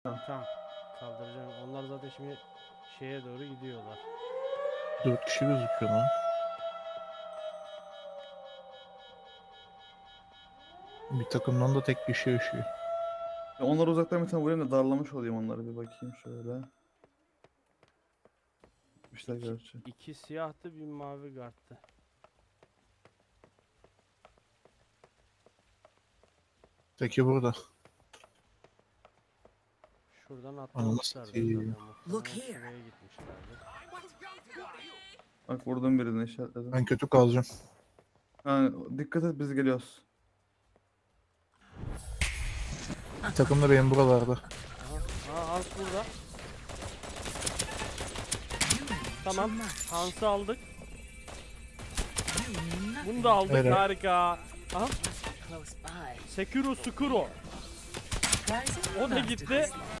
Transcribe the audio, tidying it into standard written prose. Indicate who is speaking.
Speaker 1: Tamam. Kaldıracağım. Onlar zaten şimdi şeye doğru gidiyorlar.
Speaker 2: 4 kişi gözüküyor lan. Bir takımdan da tek kişi yaşıyor.
Speaker 3: Ya onları uzaktan bir tane vurayım da darlamış olayım onları, bir bakayım şöyle. İşte gerçi.
Speaker 1: İki siyahtı, bir mavi karttı.
Speaker 2: Teki burada.
Speaker 1: Şuradan
Speaker 2: Ananı
Speaker 1: atlamışlardı
Speaker 2: satayım.
Speaker 1: zaten.
Speaker 4: Look
Speaker 1: Muhtemelen
Speaker 4: here.
Speaker 1: şuraya gitmişlerdi.
Speaker 3: Bak vurdum birini, işaretledim.
Speaker 2: Ben kötü kalacağım.
Speaker 3: Ha, dikkat et, biz geliyoruz.
Speaker 2: Bir takım da benim buralarda.
Speaker 1: Aha, Hans burada. Tamam, Hans'ı aldık. Bunu da aldık,
Speaker 2: Evet.
Speaker 1: harika. Aha,
Speaker 4: Close by.
Speaker 1: Sekiro Skuro.
Speaker 4: Rising
Speaker 1: O da gitti.